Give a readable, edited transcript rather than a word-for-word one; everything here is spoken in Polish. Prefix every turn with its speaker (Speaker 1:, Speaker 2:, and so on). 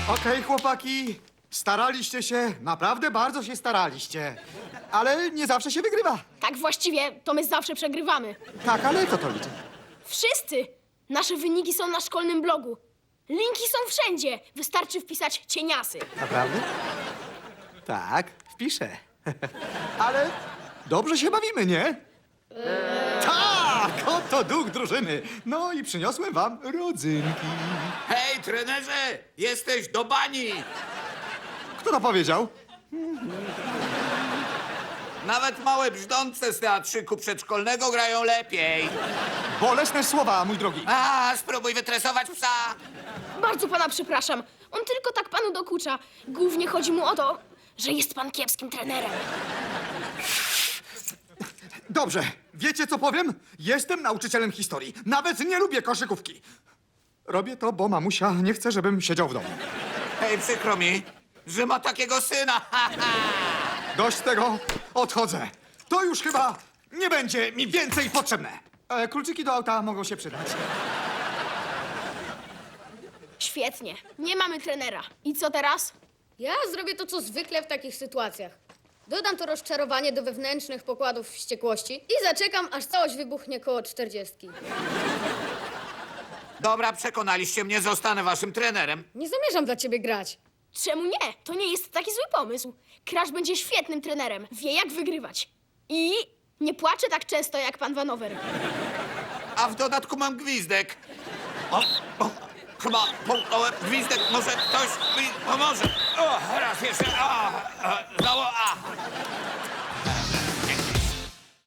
Speaker 1: Okej, chłopaki, staraliście się, naprawdę bardzo się staraliście. Ale nie zawsze się wygrywa.
Speaker 2: Tak właściwie to my zawsze przegrywamy.
Speaker 1: Tak, ale co to liczy?
Speaker 2: Wszyscy! Nasze wyniki są na szkolnym blogu. Linki są wszędzie. Wystarczy wpisać cieniasy.
Speaker 1: Naprawdę? Tak, wpiszę. Ale dobrze się bawimy, nie? Tak, oto duch drużyny. No i przyniosłem wam rodzynki.
Speaker 3: Hej, trenerze! Jesteś do bani!
Speaker 1: Kto to powiedział?
Speaker 3: Nawet małe brzdące z teatrzyku przedszkolnego grają lepiej.
Speaker 1: Bolesne słowa, mój drogi.
Speaker 3: A, spróbuj wytresować psa!
Speaker 2: Bardzo pana przepraszam. On tylko tak panu dokucza. Głównie chodzi mu o to, że jest pan kiepskim trenerem.
Speaker 1: Dobrze, wiecie co powiem? Jestem nauczycielem historii. Nawet nie lubię koszykówki. Robię to, bo mamusia nie chce, żebym siedział w domu.
Speaker 3: Hej, przykro mi, że ma takiego syna.
Speaker 1: Dość tego, odchodzę. To już chyba nie będzie mi więcej potrzebne. Kluczyki do auta mogą się przydać.
Speaker 2: Świetnie. Nie mamy trenera. I co teraz?
Speaker 4: Ja zrobię to, co zwykle w takich sytuacjach. Dodam to rozczarowanie do wewnętrznych pokładów wściekłości i zaczekam, aż całość wybuchnie koło 40.
Speaker 3: Dobra, przekonaliście mnie, zostanę waszym trenerem.
Speaker 4: Nie zamierzam dla ciebie grać.
Speaker 2: Czemu nie? To nie jest taki zły pomysł. Crash będzie świetnym trenerem. Wie, jak wygrywać. I nie płacze tak często, jak pan Vanover.
Speaker 3: A w dodatku mam gwizdek. O, chyba połknąłem gwizdek, może ktoś mi pomoże. O, raz jeszcze. Znowu.